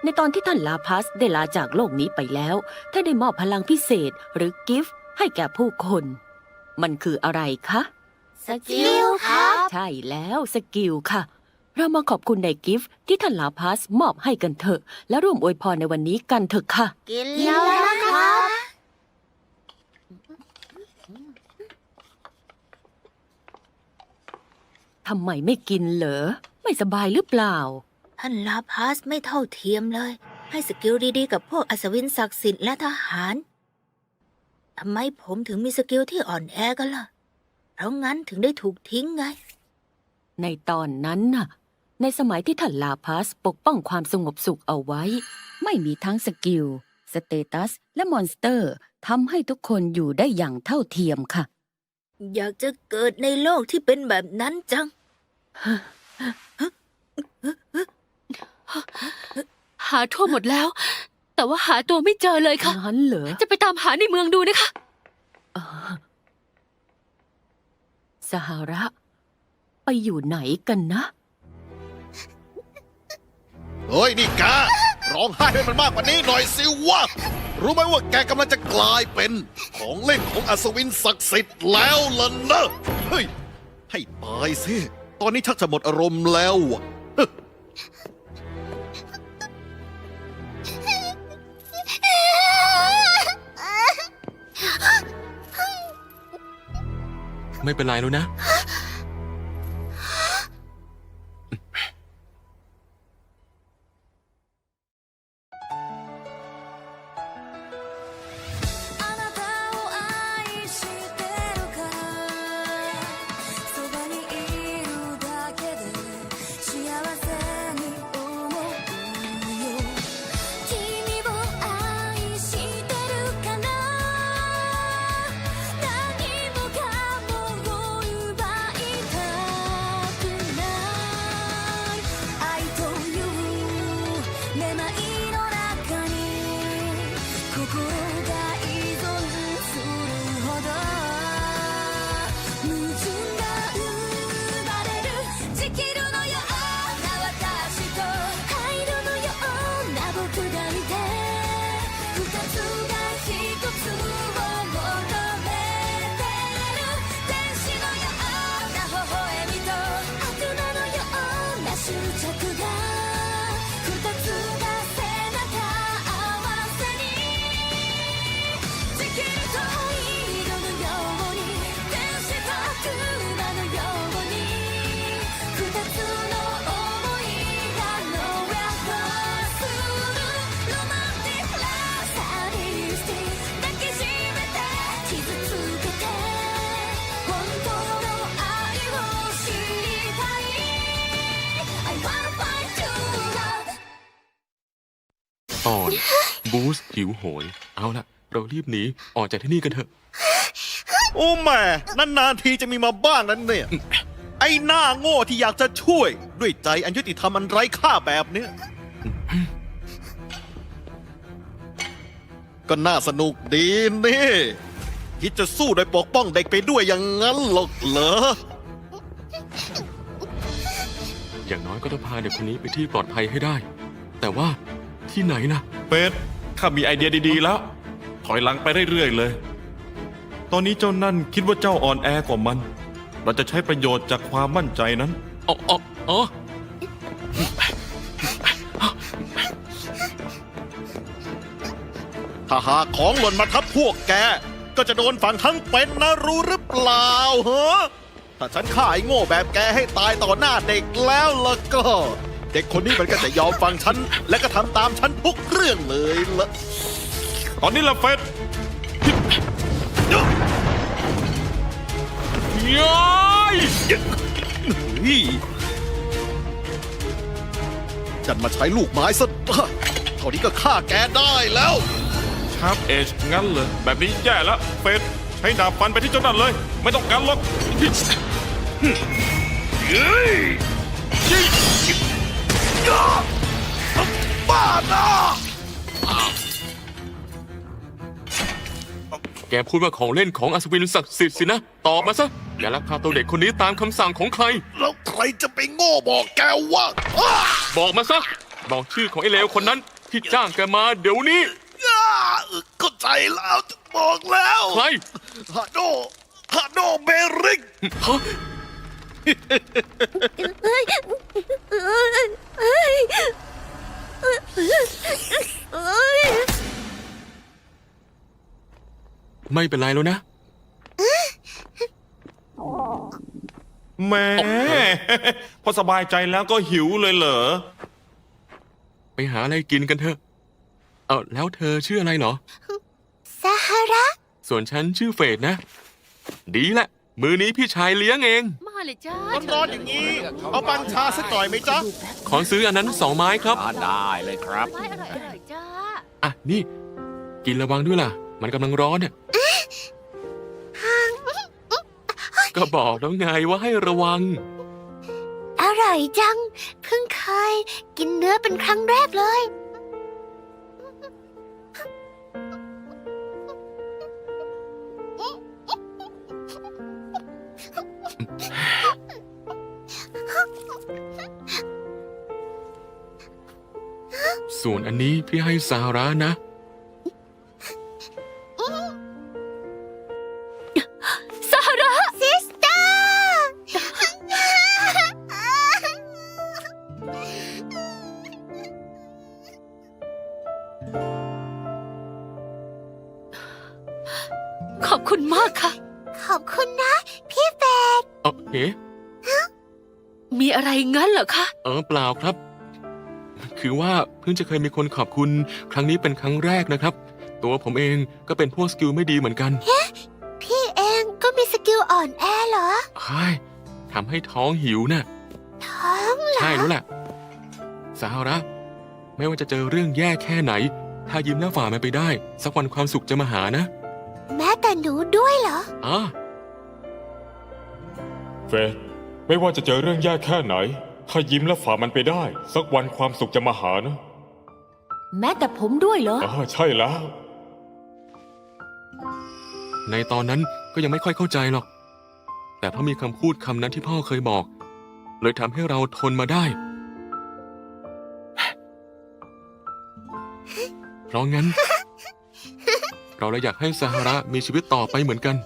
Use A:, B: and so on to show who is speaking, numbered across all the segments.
A: ในตอนที่ท่านลาพัสได้ลาจากโลกนี้ไปแล้วท่านได้มอบพลังพิเศษหรือกิฟต์ให้แก่ผู้คน มันคืออะไรคะ
B: สกิลครับ
A: ใช่แล้วสกิลค่ะ เรามาขอบคุณในกิฟต์ที่ท่านลาพัสมอบให้กันเถอะ และร่วมอวยพรในวันนี้กันเถอะค่ะ
B: กินแล้วนะครับ
A: ทำไมไม่กินเหรอ ไม่สบายหรือเปล่า
B: ท่านลาพัสไม่เท่าเทียมเลย ให้สกิลดีๆกับพวกอัศวินศักดิ์สิทธิ์และทหารทำไมผมถึงมีสกิลที่อ่อนแอกันล่ะ เพราะงั้นถึงได้ถูกทิ้งไง
A: ในตอนนั้นน่ะ ในสมัยที่ท่านลาพัสปกป้องความสงบสุขเอาไว้ ไม่มีทั้งสกิล สเตตัส และมอนสเตอร์ทำให้ทุกคนอยู่ได้อย่างเท่าเทียมค่ะ
B: อยากจะเกิดในโลกที่เป็นแบบนั้นจัง
C: หาทั่วหมดแล้ว แต่ว่าหาตัวไม่เจอเลยค่ะ
A: งั้นเหรอ
C: จะไปตามหาในเมืองดูนะคะ
A: สหระ ไปอยู่ไหนกันนะ
D: เฮ้ยนี่แกร้องไห้ให้มันมากกว่านี้หน่อยสิวะรู้ไหมว่าแกกำลังจะกลายเป็นของเล่นของอัศวินศักดิ์สิทธิ์แล้วล่ะนะเฮ้ยให้ตายสิตอนนี้ชักจะหมดอารมณ์แล้วอะเฮ้ย
E: ไม่เป็นไรแล้วนะ
F: あなたを愛してるからそばにいるだけで幸せに思うよ君を愛してるから何もかもを奪いたくない愛というめまいの中に心が依存するほど矛盾が生まれる地球のような私と灰色のような僕がいて二つが一つを求めてる天使のような微笑みと悪魔のような執着が二つが背中合わせに地球と色のように天使と悪魔のように二つの想いがノーアップするロマンティックなサディスティ抱きしめて傷つけて本当の愛を知りたい I wanna find true love
E: ตอนบูสหิวโหย เอาละเรารีบหนีออกจากที่นี่กันเถอะ
D: โอ้แม่นานๆทีจะมีมาบ้างนั้นเนี่ย ไอ้หน้าโง่ที่อยากจะช่วย ด้วยใจอันยุติธรรมอันไร้ค่าแบบเนี้ยก็น่าสนุกดีนี่คิดจะสู้โดยปกป้องเด็กไปด้วยอย่างนั้นหรอกเหรอ
E: อย่างน้อยก็ต้องพาเด็กคนนี้ไปที่ปลอดภัยให้ได้ แต่ว่าที่ไหนนะ
G: เป็ดข้ามีไอเดียดีๆแล้ว ถอยหลังไปเรื่อยๆเลย ตอนนี้เจ้านั่นคิดว่าเจ้าอ่อนแอกว่ามัน เราจะใช้ประโยชน์จากความมั่นใจนั้น
E: อ๋ออ๋ออ๋อ
D: ถ้าหากของหล่นมาทับพวกแก ก็จะโดนฝังทั้งเป็นนะรู้หรือเปล่าเหรอถ้าฉันฆ่าไอ้โง่แบบแกให้ตายต่อหน้าเด็กแล้วล่ะก็ เด็กคนนี้มันก็จะยอมฟังฉัน และก็ทำตามฉันทุกเรื่องเลยละ
G: ตอนนี้ละเป็ด
E: ย้าย
D: นี่ฉันมาใช้ลูกไม้ซะเท่านี้ก็ฆ่าแกได้แล้ว
G: ชาร์ปเอจงั้นเลย แบบนี้แย่แล้วเป็ดใช้ดาบฟันไปที่เจ้านั่นเลย ไม่ต้องกันหรอก
D: บ้านะ
E: แกพูดว่าของเล่นของอัศวินศักดิ์สิทธิ์สินะ ตอบมาซะ อย่าลักพาตัวเด็กคนนี้ตามคำสั่งของใคร
D: แล้วใครจะไปโง่บอกแกว่าอ้า
E: บอกมาซะ บอกชื่อของไอ้เลวคนนั้นที่จ้างแกมาเดี๋ยวนี้
D: เข้าใจแล้วบอกแล้ว
E: ใคร
D: ฮาโดเบริก
E: ฮะ ไม่เป็นไรแล้วนะ
G: แหม่ พอสบายใจแล้วก็หิวเลยเหรอ
E: ไปหาอะไรกินกันเถอะ เอาแล้วเธอชื่ออะไรเหรอ
F: ซาฮาระ
E: ส่วนฉันชื่อเฟดนะ ดีละ มือนี้พี่ชายเลี้ยงเอง
C: มาเลยจ้า
D: ร้อนๆอย่างนี้ เอาปังชาสักหน่อยไหมจ๊ะ
E: ขอซื้ออันนั้น2 ไม้ครับ
H: ได้เลยครับ
C: ไม้อร่อยอร่อยจ้า
E: อ่ะ นี่ กินระวังด้วยล่ะ มันกำลังร้อนเนี่ยก็บอกแล้วไงว่าให้ระวัง
F: อร่อยจัง เพิ่งเคยกินเนื้อเป็นครั้งแรกเลย
E: ส่วนอันนี้พี่ให้ซาร่านะ
C: ซาฮาระ
F: ซิสเตอร์
C: ขอบคุณมากค่ะ
F: ขอบคุณนะ พี่เฟด
E: เอ๊ะ
C: มีอะไรงั้นเหรอคะ
E: เปล่าครับ คือว่าเพิ่งจะเคยมีคนขอบคุณครั้งนี้เป็นครั้งแรกนะครับ ตัวผมเองก็เป็นพวกสกิลไม่ดีเหมือนกัน
F: พี่เองก็มีสกิลอ่อนแอเหรอ
E: ใช่ทำให้ท้องหิวน่ะ
F: ท้องเหรอ
E: ใช่แล้วแหละสาระ ไม่ว่าจะเจอเรื่องแย่แค่ไหน ถ้ายิ้มแล้วฝ่ามันไปได้ สักวันความสุขจะมาหานะ
F: แม้แต่หนูด้วยเหรอ
E: อ่ะ
I: เฟยไม่ว่าจะเจอเรื่องยากแค่ไหน ถ้ายิ้มและฝ่ามันไปได้ สักวันความสุขจะมาหานะ
A: แม้แต่ผมด้วยเหรอ
I: ใช่แล้ว
E: ในตอนนั้นก็ยังไม่ค่อยเข้าใจหรอก แต่เพราะมีคำพูดคำนั้นที่พ่อเคยบอก เลยทำให้เราทนมาได้ เพราะงั้น เราเลยอยากให้ซาฮาระมีชีวิตต่อไปเหมือนกัน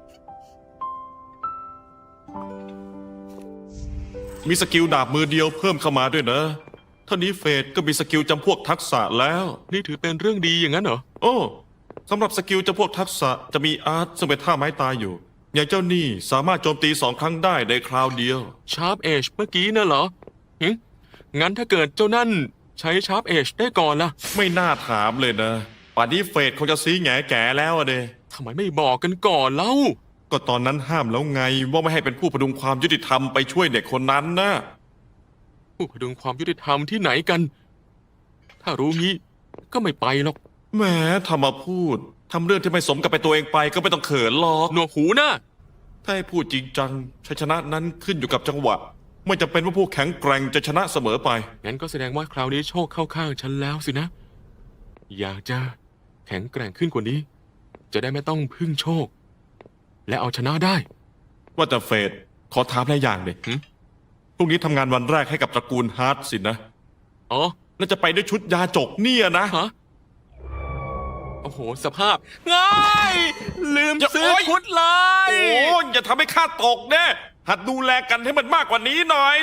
G: มีสกิลดาบมือเดียวเพิ่มเข้ามาด้วยนะเท่านี้เฟดก็มีสกิลจำพวกทักษะแล้ว
E: นี่ถือเป็นเรื่องดีอย่างนั้นเหรอ
G: โอ้สำหรับสกิลจำพวกทักษะจะมีอาร์ตซึ่งเป็นท่าไม้ตายอยู่ อย่างเจ้านี่สามารถโจมตี2 ครั้งได้ในคราวเดียว
E: ชาร์ปเอชเมื่อกี้น่ะเหรองั้นถ้าเกิดเจ้านั่นใช้ชาร์ปเอชได้ก่อนล่ะ
G: ไม่น่าถามเลยนะป่านนี้เฟดคงจะซีแง่แก่แล้วอะเด
E: ทำไมไม่บอกกันก่อนเล่า
G: ก็ตอนนั้นห้ามแล้วไงว่าไม่ให้เป็นผู้พดุงความยุติธรรมไปช่วยเด็กคนนั้นนะ
E: ผู้พดุงความยุติธรรมที่ไหนกัน ถ้ารู้งี้ก็ไม่ไปหรอก
G: แหมทำมาพูดทำเรื่องที่ไม่สมกับเป็นตัวเองไปก็ไม่ต้องเขินหรอก
E: หนวกหูนะ
G: ถ้าให้พูดจริงจังชัยชนะนั้นขึ้นอยู่กับจังหวะ ไม่จำเป็นว่าผู้แข็งแกร่งจะชนะเสมอไป
E: งั้นก็แสดงว่าคราวนี้โชคเข้าข้างฉันแล้วสินะ อยากจะแข็งแกร่งขึ้นกว่านี้ จะได้ไม่ต้องพึ่งโชค และเอาชนะได้
G: ว่าแต่เฟดขอถามอะไรอย่างเด็
E: หึ
G: พรุ่งนี้ทำงานวันแรกให้กับตระกูลฮาร์ดสินะ
E: อ๋อ
G: แล้วจะไปด้วยชุดยาจกเนี่ยนะ
E: ฮะ โอ้โห สภาพง่ายลืม
G: อย่า
E: ซื้อ
G: โอ๊ย
E: ชุดเลย
G: โอ้ยอย่าทำให้ข้าตกแน่หัดดูแลกันให้มันมากกว่านี้หน่อย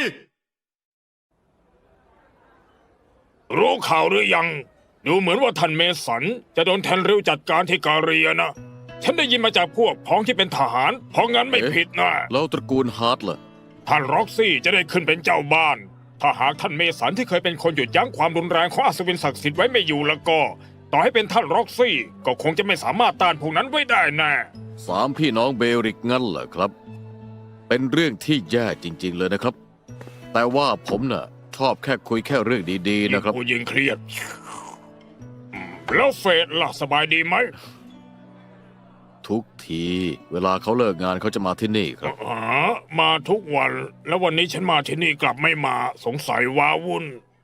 I: รู้ข่าวหรือยัง ดูเหมือนว่าท่านเมสันจะโดนแทนริวจัดการที่กาเรียนะ ฉันได้ยินมาจากพวกพ้องที่เป็นทหาร เพราะงั้นไม่ผิดนะ
H: แล้วตระกูลฮาร์ดล่ะ
I: ท่านร็อกซี่จะได้ขึ้นเป็นเจ้าบ้าน ถ้าหากท่านเมสันที่เคยเป็นคนหยุดยั้งความรุนแรงของอัศวินศักดิ์สิทธิ์ไว้ไม่อยู่แล้วก็ ต่อให้เป็นท่านร็อกซี่ก็คงจะไม่สามารถต้านพวกนั้นไว้ได้แน่
H: 3 พี่น้องเบริกงั้นเหรอครับ เป็นเรื่องที่แย่จริง ๆ เลยนะครับ แต่ว่าผมน่ะชอบแค่คุยแค่เรื่องดีๆนะครับ
I: ผู้ยิงเครียดแล้วเฟดล่ะสบายดีไหม
H: ทุกทีเวลาเขาเลิกงานเขาจะมาที่นี่ครับ
I: มาทุกวัน แล้ววันนี้ฉันมาที่นี่กลับไม่มาสงสัยว้าวุ่น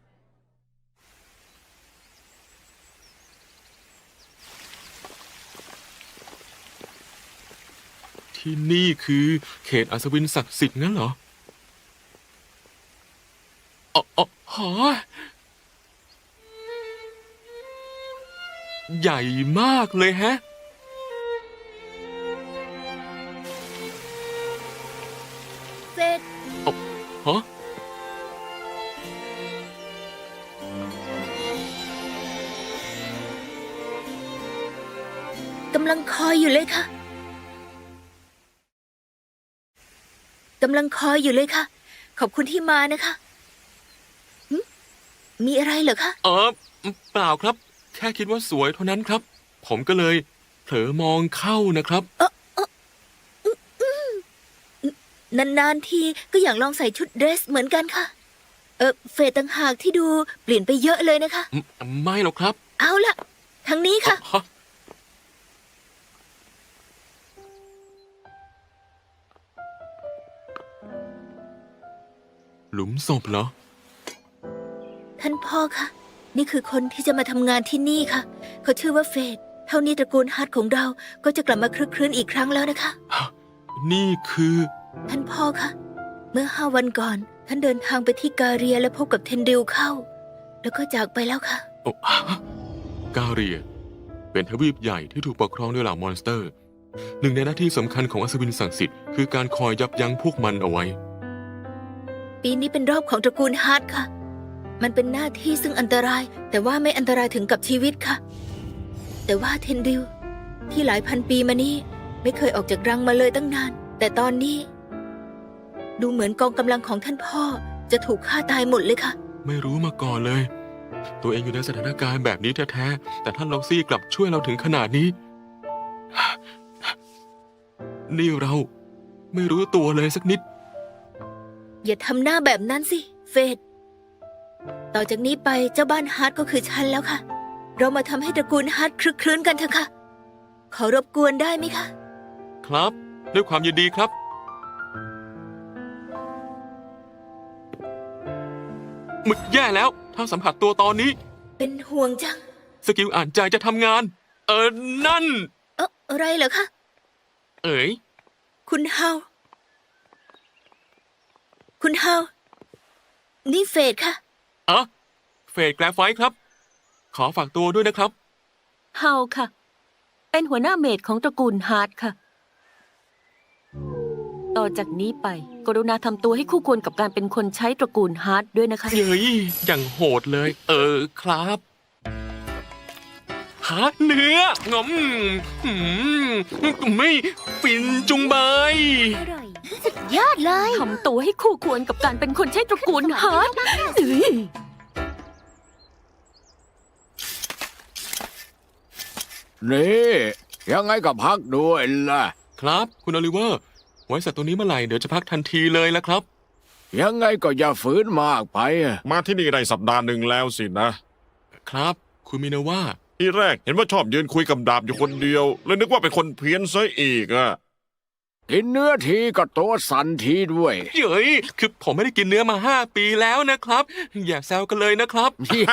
E: ที่นี่คือเขตอัศวินศักดิ์สิทธิ์งั้นเหรออ๋อหอใหญ่มากเลยฮะ
B: เฟด
E: ฮะ
B: กำลังคอยอยู่เลยค่ะกำลังคอยอยู่เลยค่ะ ขอบคุณที่มานะคะหึมีอะไรเหรอคะ
E: เปล่าครับ แค่คิดว่าสวยเท่านั้นครับ ผมก็เลยเผลอมองเข้านะครับ
B: นานๆทีก็อยากลองใส่ชุดเดรสเหมือนกันค่ะ เฟดต่างหากที่ดูเปลี่ยนไปเยอะเลยนะคะ
E: ไม่หรอกครับ
B: เอาล่ะทางนี้ค่ะ
E: ฮะหลุมศพเหรอ
B: ท่านพ่อคะนี่คือคนที่จะมาทำงานที่นี่ค่ะ เขาชื่อว่าเฟดเท่านี้ตระกูลฮัตของเราก็จะกลับมาคลึกครื้นอีกครั้งแล้วนะคะ
E: นี่คือ
B: ท่านพ่อคะเมื่อ5 วันก่อน ท่านเดินทางไปที่กาเรียและพบกับเทนดิลเข้า แล้วก็จากไปแล้วค่ะ
E: โอ้กาเรีย เป็นทวีปใหญ่ที่ถูกปกครองด้วยเหล่ามอนสเตอร์ หนึ่งในหน้าที่สำคัญของอัศวินศักดิ์สิทธิ์คือการคอยยับยั้งพวกมันเอาไว้
B: ปีนี้เป็นรอบของตระกูลฮัตค่ะ มันเป็นหน้าที่ซึ่งอันตราย แต่ว่าไม่อันตรายถึงกับชีวิตค่ะ แต่ว่าเทนดิลที่หลายพันปีมานี้ไม่เคยออกจากรังมาเลยตั้งนาน แต่ตอนนี้ ดูเหมือนกองกำลังของท่านพ่อจะถูกฆ่าตายหมดเลยค่ะ
E: ไม่รู้มาก่อนเลย ตัวเองอยู่ในสถานการณ์แบบนี้แท้ๆ แต่ท่านล็อกซี่กลับช่วยเราถึงขนาดนี้ นี่เราไม่รู้ตัวเลยสักนิด
B: อย่าทำหน้าแบบนั้นสิ เฟดต่อจากนี้ไปเจ้าบ้านฮาร์ดก็คือฉันแล้วค่ะ เรามาทำให้ตระกูลฮาร์ดคลึกครื้นกันเถอะค่ะ ขอรบกวนได้ไหมคะ
E: ครับ ด้วยความยินดีครับ มึกแย่แล้ว ถ้าสัมผัสตัวตอนนี้
B: เป็นห่วงจัง
E: สกิลอ่านใจจะทำงาน นั่น
B: อะไรเหรอคะ
E: เอ๋ย
B: คุณเฮา คุณเฮา นี่เฟดค่ะ
E: เฟดแกรไฟท์ครับ ขอฝากตัวด้วยนะครับ
A: เฮาค่ะ เป็นหัวหน้าเมดของตระกูลฮาร์ดค่ะ ต่อจากนี้ไป กรุณาทำตัวให้คู่ควรกับการเป็นคนใช้ตระกูลฮาร์ดด้วยนะคะ
E: เย้ยอย่างโหดเลย ครับ หาเนื้องอมไม่ฟินจุงใบ
F: ยอดเลย
A: ทำตัวให้คู่ควรกับการเป็นคนใช้ตระกูลฮาร์ดเอ้ย
H: นี่ยังไงก็พักด้วยล่ะ
E: ครับ คุณโอลิเวอร์ ไว้สัตว์ตัวนี้เมื่อไหร่เดี๋ยวจะพักทันทีเลยละครับ
H: ยังไงก็อย่าฝืนมากไปอะ
G: มาที่นี่ได้สัปดาห์หนึ่งแล้วสินะ
E: ครับ คุณมินาว่า
G: ที่แรกเห็นว่าชอบยืนคุยกับดาบอยู่คนเดียวเลยนึกว่าเป็นคนเพี้ยนซะอีกอะ
H: กินเนื้อทีก็ตัวสั่นทีด้วย
E: เย้ยคือผมไม่ได้กินเนื้อมา5 ปีแล้วนะครับ อย่าแซวกันเลยนะครับ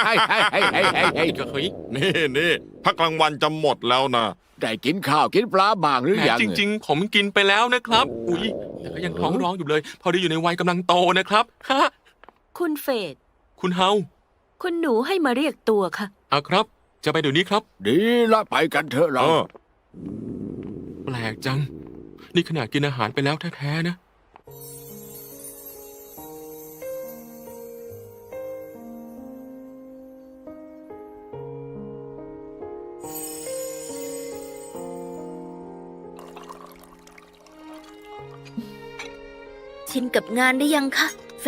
G: นี่พักกลางวันจะหมดแล้วนะ
H: ได้กินข้าวกินปลาบ้างหรือ
E: แหม
H: ยัง
E: จริง ๆ ผมกินไปแล้วนะครับ อุ๊ยแต่ก็ยังท้องร้องอยู่เลย พอดีอยู่ในวัยกำลังโตนะครับฮะ
A: คุณเฟด
E: คุณเฮา
A: คุณหนูให้มาเรียกตัวค่ะ
E: เอาครับ จะไปเดี๋ยวนี้ครับ
H: ดีละไปกันเถอะเรา
E: แปลกจัง นี่ขนาดกินอาหารไปแล้วแท้ๆนะ
B: ชินกับงานได้ยังคะ เฟ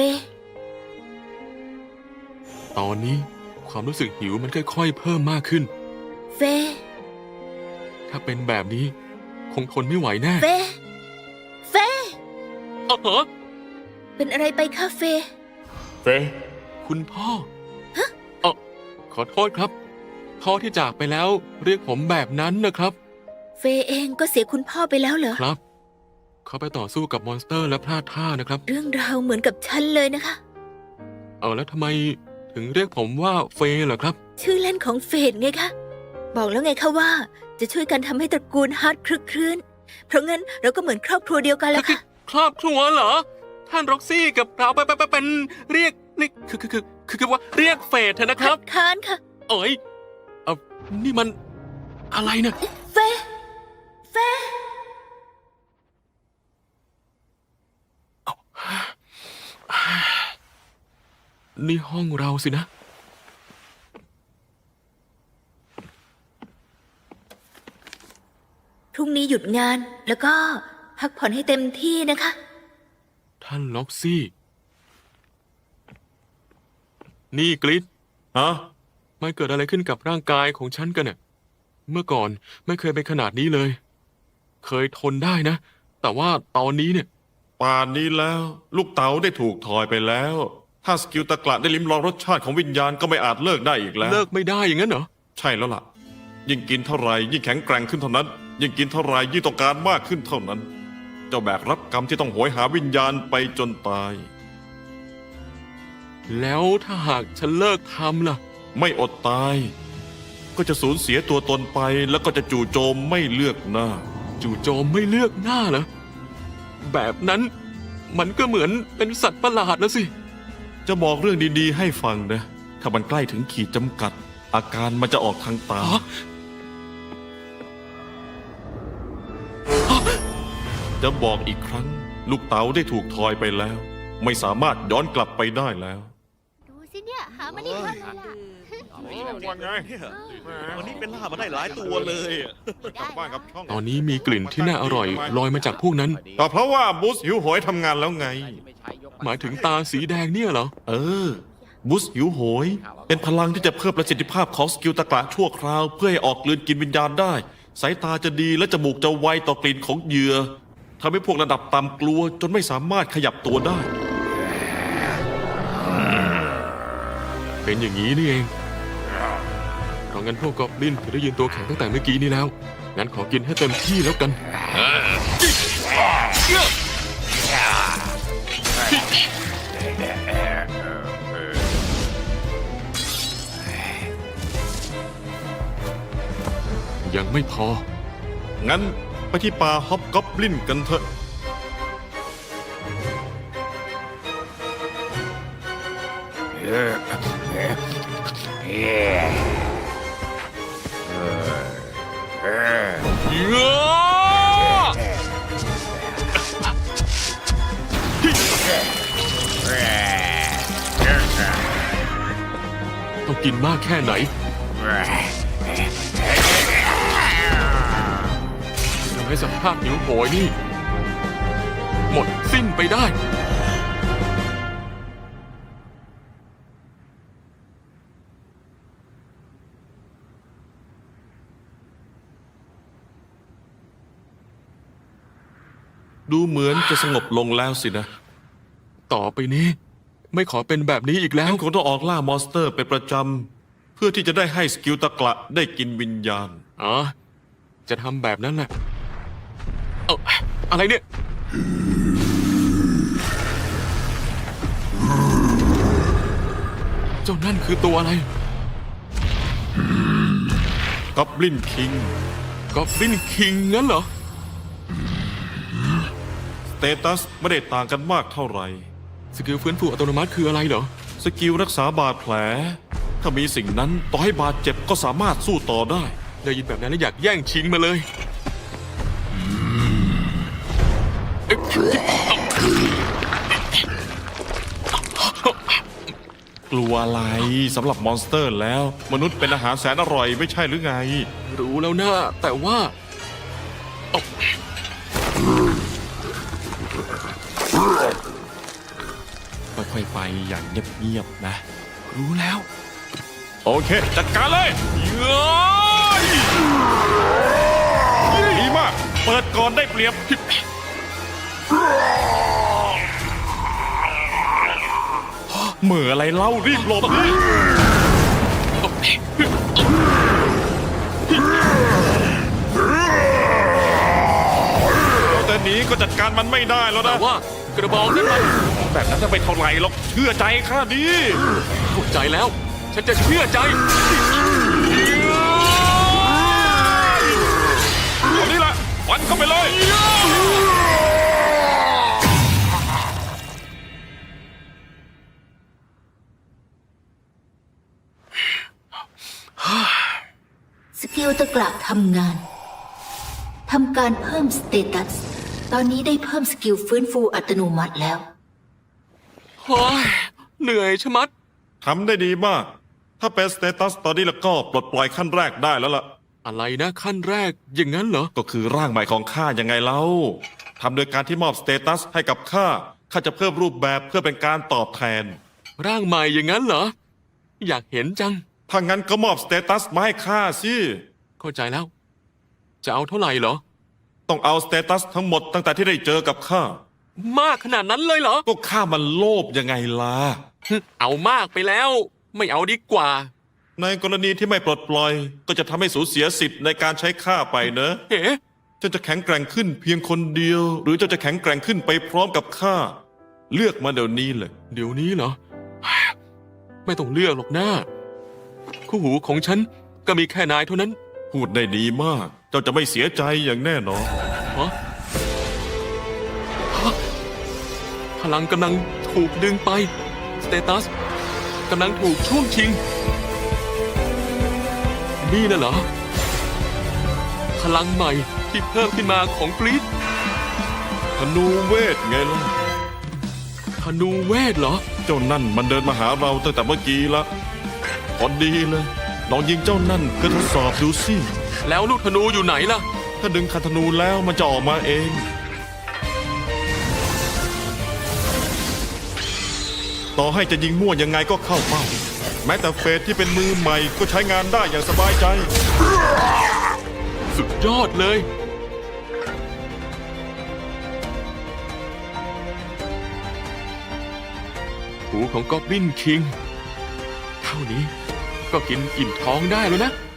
E: ตอนนี้ความรู้สึกหิวมันค่อยๆ เพิ่มมากขึ้น
B: เฟ
E: ถ้าเป็นแบบนี้ คงทนไม่ไหวแน่
B: เฟ เฟ
E: เหรอ
B: เป็นอะไรไปคะเฟ
I: เฟ
E: คุณพ่อขอโทษครับ พ่อที่จากไปแล้วเรียกผมแบบนั้นนะครับ
B: เฟเองก็เสียคุณพ่อไปแล้วเหรอ
E: ครับ เขาไปต่อสู้กับมอนสเตอร์และพลาดท่านะครับ
B: เรื่องราวเหมือนกับฉันเลยนะคะ
E: แล้วทำไมถึงเรียกผมว่าเฟย์เหรอครับ
B: ชื่อเล่นของเฟดไงคะ บอกแล้วไงคะว่า จะช่วยกันทำให้ตระกูลฮาร์ดคลึกครื้น เพราะงั้นเราก็เหมือนครอบครัวเดียวกันแล้วค่ะ
E: ครอบครัวเหรอ ท่านร็อกซี่กับเราไปเป็นเรียกคือว่าเรียกเฟย์เถอะนะครับ
B: ค้านค่ะ
E: เอ๋ยนี่มันอะไรเนี่ย
B: เฟเฟ
E: นี่ห้องเราสินะ
B: พรุ่งนี้หยุดงานแล้วก็พักผ่อนให้เต็มที่นะคะ
E: ท่านล็อกซี่ นี่กริด
G: ฮะ
E: มันเกิดอะไรขึ้นกับร่างกายของฉันกันเนี่ยเมื่อก่อนไม่เคยเป็นขนาดนี้เลย เคยทนได้นะ แต่ว่าตอนนี้เนี่ย
G: ป่านนี้แล้ว ลูกเต๋าได้ถูกถอยไปแล้ว ถ้าสกิลตะกละได้ลิ้มลองรสชาติของวิญญาณก็ไม่อาจเลิกได้อีกแล้ว
E: เลิกไม่ได้อย่างนั้นเหรอ
G: ใช่แล้วล่ะ ยิ่งกินเท่าไหร่ยิ่งแข็งแกร่งขึ้นเท่านั้น ยิ่งกินเท่าไหร่ยิ่งต้องการมากขึ้นเท่านั้น เจ้าแบกรับกรรมที่ต้องโหยหาวิญญาณไปจนตาย
E: แล้วถ้าหากฉันเลิกทำล่ะ
G: ไม่อดตาย ก็จะสูญเสียตัวตนไปแล้วก็จะจู่โจมไม่เลือกหน้า
E: จู่โจมไม่เลือกหน้าเหรอ แบบนั้นมันก็เหมือนเป็นสัตว์ประหลาดแล้วสิ
G: จะบอกเรื่องดีๆให้ฟังนะ ถ้ามันใกล้ถึงขีดจำกัด อาการมันจะออกทางตา
E: ฮะ
G: จะบอกอีกครั้ง ลูกเต๋าได้ถูกทอยไปแล้ว ไม่สามารถย้อนกลับไปได้แล้ว
F: ดูสิเนี่ย หามาได้ทันเลยล่ะ
I: ว่าไง
J: วันนี้เป็นล่ามาได้หลายตัวเลย
I: กลับบ้านกับช่อง
E: ตอนนี้มีกลิ่นที่น่าอร่อยลอยมาจากพวกนั้น
G: ก็เพราะว่าบูสหิวโหยทำงานแล้วไง
E: หมายถึงตาสีแดงเนี่ยเหรอ
G: เออ บูสหิวโหย เป็นพลังที่จะเพิ่มประสิทธิภาพของสกิลตะกละชั่วคราว เพื่อให้ออกกลืนกินวิญญาณได้ สายตาจะดีและจมูกจะไวต่อกลิ่นของเหยื่อทำให้พวกระดับต่ำกลัวจนไม่สามารถขยับตัวได้
E: เป็นอย่างนี้นี่เองเพราะงั้นพวกกอบลินถึงได้ยืนตัวแข็งตั้งแต่เมื่อกี้นี้แล้ว งั้นขอกินให้เต็มที่แล้วกัน ยังไม่พอ
G: งั้นไปที่ป่าฮอบกอบลินกันเถอะ
E: ต้องกินมากแค่ไหนทำให้สภาพหิวโหยนี่ หมดสิ้นไปได้
G: ดูเหมือนจะสงบลงแล้วสินะ
E: ต่อไปนี้ ไม่ขอเป็นแบบนี้อีกแล้ว
G: งั้นคงต้องออกล่ามอนสเตอร์เป็นประจำ เพื่อที่จะได้ให้สกิลตะกละได้กินวิญญาณ
E: อ๋อ จะทำแบบนั้นแหละ เอาอะไรเนี่ย เจ้านั่นคือตัวอะไร
G: กอบลินคิง
E: กอบลินคิงงั้นเหรอ
G: สเตตัสไม่ได้ต่างกันมากเท่าไหร่
E: สกิลฟื้นฟูอัตโนมัติคืออะไรเหรอ
G: สกิลรักษาบาดแผล ถ้ามีสิ่งนั้นต่อให้บาดเจ็บก็สามารถสู้ต่อได้
E: ได้ยินแบบนั้นแล้วอยากแย่งชิงมาเลย
G: กลัวอะไรสำหรับมอนสเตอร์แล้ว มนุษย์เป็นอาหารแสนอร่อยไม่ใช่หรือไง
E: รู้แล้วนะ แต่ว่าเอา
G: ค่อยๆไปอย่างเงียบๆนะ
E: รู้แล้ว
G: โอเค จัดการเลยดีมาก เปิดก่อนได้เปรียบ เหมืออะไรเล่ารีบหลบดิแต่หนีก็จัดการมันไม่ได้แล้ว
E: แต่
G: นะ
E: ว่ากระบองนั้นมัน
G: แบบนั้นจะไปเท่าไหร่หรอกเชื่อใจข้าดี
E: เข้าใจแล้ว ฉันจะเชื่อใจ
G: ตอนนี้แหละฟันเข้าไปเลย
B: สกิลตะกละทำงาน ทำการเพิ่มสเตตัส ตอนนี้ได้เพิ่มสกิลฟื้นฟูอัตโนมัติแล้ว
E: โอ้ยเหนื่อยชะมัด
G: ทำได้ดีมาก ถ้าเป็นสเตตัสตอนนี้แล้วก็ปลดปล่อยขั้นแรกได้แล้วล่ะ
E: อะไรนะขั้นแรกอย่างนั้นเหรอ
G: ก็คือร่างใหม่ของข้ายังไงเล่าทำโดยการที่มอบสเตตัสให้กับข้าจะเพิ่มรูปแบบเพื่อเป็นการตอบแทน
E: ร่างใหม่อย่างนั้นเหรอ อยากเห็นจัง
G: ถ้างั้นก็มอบสเตตัสมาให้ข้าสิ
E: เข้าใจแล้ว จะเอาเท่าไหร่เหรอ
G: ต้องเอาสเตตัสทั้งหมดตั้งแต่ที่ได้เจอกับข้า
E: มากขนาดนั้นเลยเหรอ
G: ก็ข้ามันโลภยังไงล่ะ
E: เอามากไปแล้ว ไม่เอาดีกว่า
G: ในกรณีที่ไม่ปลดปล่อย ก็จะทำให้สูญเสียสิทธิ์ในการใช้ข้าไปเนอะ
E: เฮ้
G: เจ้าจะแข็งแกร่งขึ้นเพียงคนเดียว หรือเจ้าจะแข็งแกร่งขึ้นไปพร้อมกับข้า เลือกมาเดี๋ยวนี้เลย
E: เดี๋ยวนี้เหรอ ไม่ต้องเลือกหรอกนะคู่หูของฉันก็มีแค่นายเท่านั้น
G: พูดได้ดีมาก เจ้าจะไม่เสียใจอย่างแน่นอน
E: ฮะฮะพลังกำลังถูกดึงไป สเตตัสกำลังถูกช่วงชิง นี่น่ะเหรอ พลังใหม่ที่เพิ่มขึ้นมาของกรีด
G: ธนูเวทไงล่ะ
E: ธนูเวทเหรอ
G: เจ้านั่นมันเดินมาหาเราตั้งแต่เมื่อกี้ละพอดีเลยลองยิงเจ้านั่นเพื่อทดสอบดูสิ
E: แล้วลูกธนูอยู่ไหนล่ะ
G: ถ้าดึงคันธนูแล้วมันจะออกมาเอง ต่อให้จะยิงมั่วยังไงก็เข้าเป้า แม้แต่เฟสที่เป็นมือใหม่ก็ใช้งานได้อย่างสบายใจ
E: สุดยอดเลย หูของกอบลินคิง เท่านี้ก็กินอิ่มท้องได้แล้วนะ